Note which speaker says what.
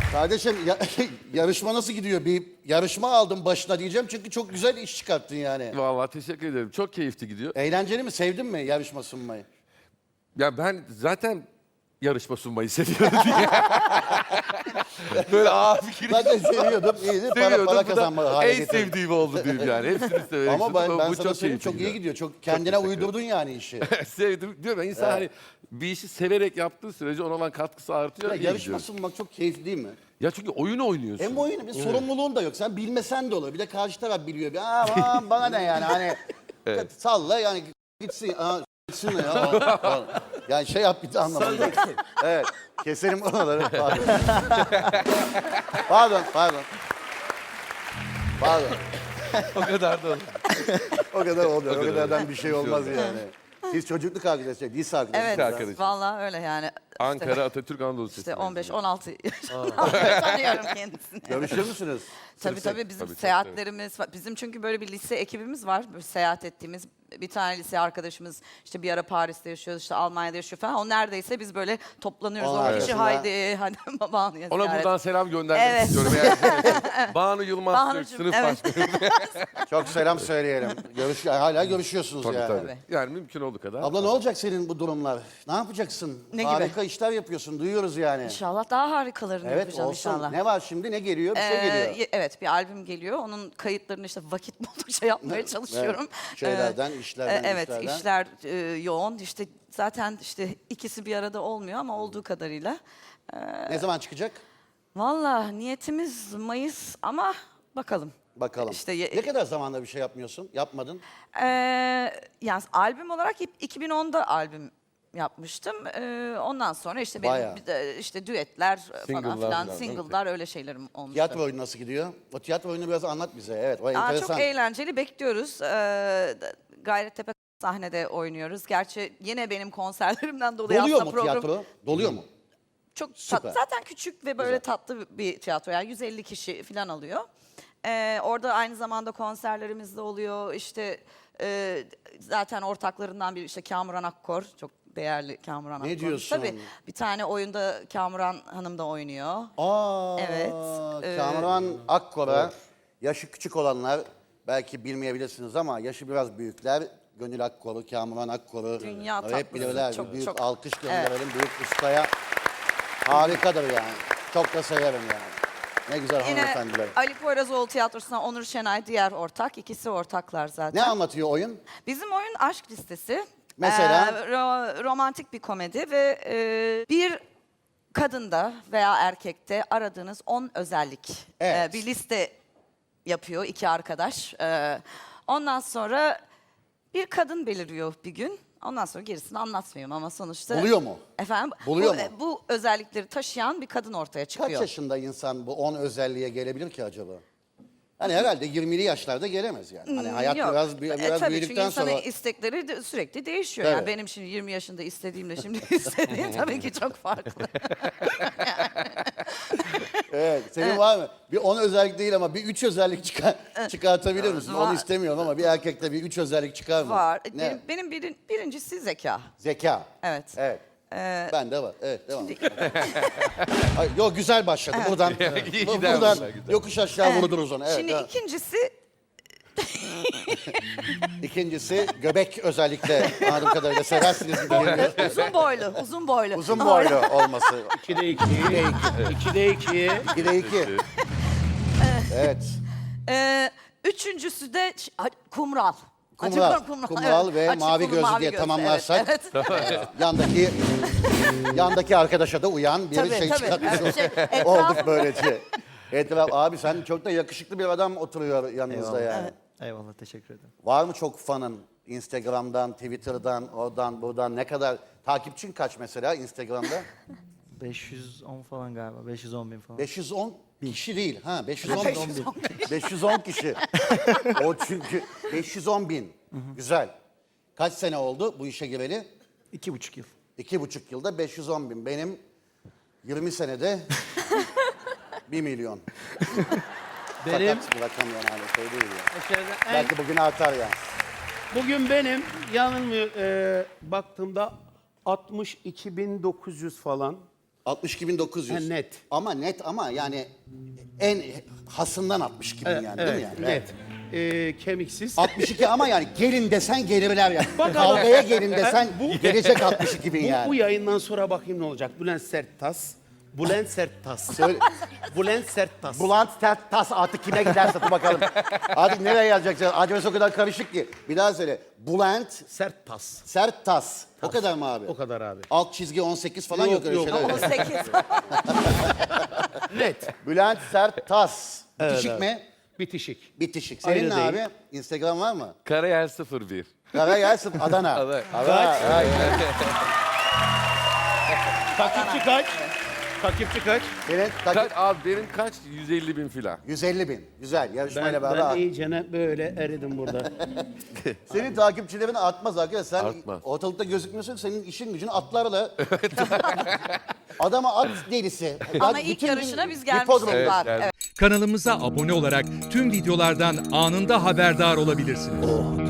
Speaker 1: Kardeşim yarışma nasıl gidiyor? Bir yarışma aldım başına diyeceğim çünkü çok güzel iş çıkarttın yani.
Speaker 2: Vallahi teşekkür ederim. Çok keyifli gidiyor.
Speaker 1: Eğlenceli mi? Sevdin mi yarışma sunmayı?
Speaker 2: Ya ben zaten yarışma sunmayı seviyorum diye. Böyle fikir
Speaker 1: Zaten seviyordum. İyiydi. Para
Speaker 2: seviyordum. Bu da
Speaker 1: kazanma hale
Speaker 2: en
Speaker 1: getirdim.
Speaker 2: sevdiğim oldu diyeyim yani. Hepsini severek
Speaker 1: Ama ben
Speaker 2: sundum. Bu
Speaker 1: sana söyleyeyim çok iyi
Speaker 2: keyifli
Speaker 1: gidiyor. Çok kendine uydurdun yani işi.
Speaker 2: Sevdim. Diyorum ya insan hani bir işi severek yaptığı sürece ona olan katkısı artıyor.
Speaker 1: Ya,
Speaker 2: iyi
Speaker 1: yarışma
Speaker 2: gidiyor.
Speaker 1: sunmak çok keyifli değil mi?
Speaker 2: Ya çünkü oyun oynuyorsun.
Speaker 1: Hem oyunu bir sorumluluğun da yok. Sen bilmesen de olur. Bir de karşı taraf biliyor. Aa, bana ne yani hani salla yani gitsin. Gitsin ya. Yani şey yap bir de anlamadım. Evet. Keselim oraları. Pardon. Pardon.
Speaker 2: O kadar da olur.
Speaker 1: O kadar oluyor. O kadardan bir şey olmaz yani. Siz çocukluk arkadaşlar, lise arkadaşlar.
Speaker 3: Evet,
Speaker 2: arkadaşım.
Speaker 3: vallahi öyle yani.
Speaker 2: Ankara Atatürk Anadolu Lisesi.
Speaker 3: İşte 15-16 yaşından tanıyorum kendisini.
Speaker 1: Görüşür müsünüz?
Speaker 3: Tabii bizim
Speaker 2: Tabii, çok
Speaker 3: seyahatlerimiz var. Bizim çünkü böyle bir lise ekibimiz var. Böyle seyahat ettiğimiz bir tane lise arkadaşımız işte bir ara Paris'te yaşıyor, işte Almanya'da yaşıyor falan. O neredeyse biz böyle toplanıyoruz.
Speaker 1: Onlar
Speaker 3: 10 kişi
Speaker 1: arasında-
Speaker 3: hadi Banu'ya
Speaker 2: Ona
Speaker 3: ziyaret.
Speaker 2: buradan selam göndermek
Speaker 3: Evet.
Speaker 2: istiyorum. Banu Yılmaz Türk,
Speaker 3: Banu'cum,
Speaker 2: sınıf
Speaker 3: evet.
Speaker 2: başkanı.
Speaker 1: Çok selam söyleyelim. Hala görüşüyorsunuz
Speaker 2: Tabii
Speaker 1: yani.
Speaker 2: tabii. Yani mümkün olduğu kadar.
Speaker 1: Abla ne olacak senin bu durumlar? Ne yapacaksın?
Speaker 3: Ne gibi?
Speaker 1: Harika işler yapıyorsun, duyuyoruz yani.
Speaker 3: İnşallah daha harikalarını
Speaker 1: Evet
Speaker 3: yapacağım
Speaker 1: olsun.
Speaker 3: inşallah.
Speaker 1: Ne var şimdi? Ne geliyor? Bir şey geliyor.
Speaker 3: Evet bir albüm geliyor. Onun kayıtlarını işte vakit buldukça yapmaya çalışıyorum.
Speaker 1: Evet, şeylerden, işlerden,
Speaker 3: Evet
Speaker 1: işlerden.
Speaker 3: işler yoğun. İşte zaten işte ikisi bir arada olmuyor ama olduğu kadarıyla.
Speaker 1: Ne zaman çıkacak?
Speaker 3: Valla niyetimiz Mayıs ama bakalım.
Speaker 1: Bakalım.
Speaker 3: İşte
Speaker 1: ne kadar zamanda bir şey yapmıyorsun? Yapmadın.
Speaker 3: Yani albüm olarak 2010'da albüm yapmıştım. Ondan sonra işte benim
Speaker 1: Bayağı.
Speaker 3: bir de işte düetler
Speaker 2: Single'lar
Speaker 3: falan filan,
Speaker 2: falan, değil mi?
Speaker 3: single'lar öyle şeylerim olmuştu.
Speaker 1: Tiyatro oyunu nasıl gidiyor? O tiyatro oyunu biraz anlat bize. Evet, o enteresan.
Speaker 3: Çok eğlenceli, bekliyoruz. Gayrettepe sahnede oynuyoruz. Gerçi yine benim konserlerimden dolayı
Speaker 1: Doluyor
Speaker 3: aslında
Speaker 1: mu tiyatro? Doluyor mu?
Speaker 3: çok
Speaker 1: Süper.
Speaker 3: zaten küçük ve böyle tatlı bir tiyatro. Yani 150 kişi falan alıyor. Orada aynı zamanda konserlerimiz de oluyor. İşte zaten ortaklarından biri işte Kamuran Akkor. Çok değerli Kamuran Akkor.
Speaker 1: diyorsun?
Speaker 3: Tabii bir tane oyunda Kamuran Hanım da oynuyor. Evet,
Speaker 1: Kamuran Akkor'a yaşı küçük olanlar belki bilmeyebilirsiniz ama yaşı biraz büyükler. Gönül Akkor'u, Kamuran Akkor'u
Speaker 3: Dünya
Speaker 1: hep
Speaker 3: tatlısı.
Speaker 1: bilirler.
Speaker 3: Çok,
Speaker 1: Büyük
Speaker 3: çok.
Speaker 1: alkış gönderelim büyük ustaya. Harikadır yani. Çok da severim yani. Ne güzel
Speaker 3: Yine
Speaker 1: hanımefendiler.
Speaker 3: Ali Poyrazoğlu Tiyatrosu'na Onur Şenay diğer ortak. İkisi ortaklar zaten.
Speaker 1: Ne anlatıyor oyun?
Speaker 3: Bizim oyun Aşk Listesi.
Speaker 1: Mesela?
Speaker 3: Romantik bir komedi ve bir kadında veya erkekte aradığınız 10 özellik.
Speaker 1: Evet.
Speaker 3: Bir liste yapıyor iki arkadaş. Ondan sonra bir kadın beliriyor bir gün. Ondan sonra gerisini anlatmıyorum ama sonuçta...
Speaker 1: Buluyor mu?
Speaker 3: Efendim?
Speaker 1: Buluyor mu?
Speaker 3: Bu özellikleri taşıyan bir kadın ortaya
Speaker 1: Kaç
Speaker 3: çıkıyor.
Speaker 1: yaşında insan bu 10 özelliğe gelebilir ki acaba? Hani herhalde 20'li yaşlarda gelemez yani. Hani hayat
Speaker 3: Yok.
Speaker 1: biraz
Speaker 3: Tabii
Speaker 1: büyüdükten
Speaker 3: çünkü insanın
Speaker 1: sonra...
Speaker 3: istekleri sürekli değişiyor.
Speaker 1: Tabii.
Speaker 3: Yani benim şimdi 20 yaşında istediğimle şimdi istediğim tabii ki çok farklı.
Speaker 1: Evet, senin var mı? Bir 10 özellik değil ama bir 3 özellik çıkartabilir misin?
Speaker 3: Var.
Speaker 1: Onu istemiyorum ama bir erkekte bir 3 özellik çıkar mı?
Speaker 3: Var.
Speaker 1: Ne?
Speaker 3: Benim birincisi zeka.
Speaker 1: Zeka.
Speaker 3: Evet.
Speaker 1: Evet. Bende var. Evet, devam. Ay, yok güzel başladı. Buradan,
Speaker 2: İyi
Speaker 1: buradan
Speaker 2: gider, güzel.
Speaker 1: yokuş aşağı vurdunuz onu. Evet,
Speaker 3: Şimdi
Speaker 1: devam. İkincisi göbek özellikle anladığım kadarıyla seversiniz gibi geliyor.
Speaker 3: uzun boylu, uzun boylu.
Speaker 1: Uzun boylu olması.
Speaker 4: 2'de 2. 2'de 2.
Speaker 1: 2'de 2. Evet.
Speaker 3: Üçüncüsü de kumral.
Speaker 1: Kumral,
Speaker 3: Açık
Speaker 1: kumral
Speaker 3: evet.
Speaker 1: ve
Speaker 3: Açık
Speaker 1: mavi
Speaker 3: kumru,
Speaker 1: gözlü
Speaker 3: mavi
Speaker 1: diye
Speaker 3: gözlü,
Speaker 1: tamamlarsak
Speaker 3: evet.
Speaker 1: yandaki arkadaşa da uyan bir
Speaker 3: Tabii,
Speaker 1: şey
Speaker 3: tabii.
Speaker 1: çıkartmış
Speaker 3: Evet, etrafında-
Speaker 1: olduk böylece. Abi sen çok da yakışıklı bir adam oturuyor yanınızda yani.
Speaker 4: Eyvallah teşekkür ederim.
Speaker 1: Var mı çok fanın Instagram'dan, Twitter'dan, oradan, buradan ne kadar? Takipçin kaç mesela Instagram'da?
Speaker 4: 510 falan galiba. 510 bin falan.
Speaker 1: 510 kişi değil. Ha 510
Speaker 3: 510
Speaker 1: 510 kişi. O çünkü 510 bin. Güzel. Kaç sene oldu bu işe gireli?
Speaker 4: 2,5 yıl.
Speaker 1: 2,5 yılda 510 bin. Benim 20 senede 1 milyon.
Speaker 4: Benim
Speaker 1: Fakat bir rakam yani hani şey değil ya.
Speaker 4: aşağıda en,
Speaker 1: Belki bugün artar yani.
Speaker 4: bugün benim yanılmıyor baktığımda 62.900 falan.
Speaker 1: 62.900.
Speaker 5: Ha, net.
Speaker 1: Ama net ama yani en hasından 62.000 yani değil mi yani?
Speaker 5: Net. Kemiksiz.
Speaker 1: 62 ama yani gelin desen gelirler yani. Kavgaya gelin desen gelecek 62.000 yani.
Speaker 5: Bu yayından sonra bakayım ne olacak. Bülent Serttas. Bülent Serttas.
Speaker 1: Söyle.
Speaker 5: Bülent Serttas.
Speaker 1: Bulant tas artık kime giderse dur bakalım. Artık nereye yazacak? Adres o kadar karışık ki. Bir daha söyle. Bulant
Speaker 5: Serttas.
Speaker 1: sert tas. O kadar mı abi?
Speaker 5: O kadar abi.
Speaker 1: Alt çizgi 18 falan
Speaker 5: Yok,
Speaker 1: yok, öyle
Speaker 5: yok.
Speaker 1: şeyler.
Speaker 3: 18.
Speaker 5: Net.
Speaker 1: Bülent sert tas. Bitişik
Speaker 5: abi.
Speaker 1: mi?
Speaker 5: Bitişik.
Speaker 1: Bitişik. Senin
Speaker 5: Ayrı
Speaker 1: ne
Speaker 5: değil.
Speaker 1: abi? Instagram var mı?
Speaker 2: Karayel 01.
Speaker 1: Karayel Adana.
Speaker 2: Adana.
Speaker 5: Takipçi kaç? Takipçi kaç?
Speaker 1: Senin
Speaker 2: Abi benim kaç? 150.000 filan.
Speaker 1: 150.000. Güzel. Yarışmayla
Speaker 5: Ben
Speaker 1: beraber.
Speaker 5: iyicene böyle eridim burada.
Speaker 1: Senin takipçilerin artmaz arkadaş. Sen
Speaker 2: Artmaz.
Speaker 1: ortalıkta gözükmüyorsun. Senin işin gücün atlarla. Adama at delisi.
Speaker 3: Ama
Speaker 1: Bütün
Speaker 3: ilk
Speaker 1: gün
Speaker 3: yarışına biz
Speaker 1: hipodrom.
Speaker 3: gelmiştik. Var.
Speaker 2: geldik.
Speaker 3: Evet.
Speaker 6: Kanalımıza abone olarak tüm videolardan anında haberdar olabilirsiniz.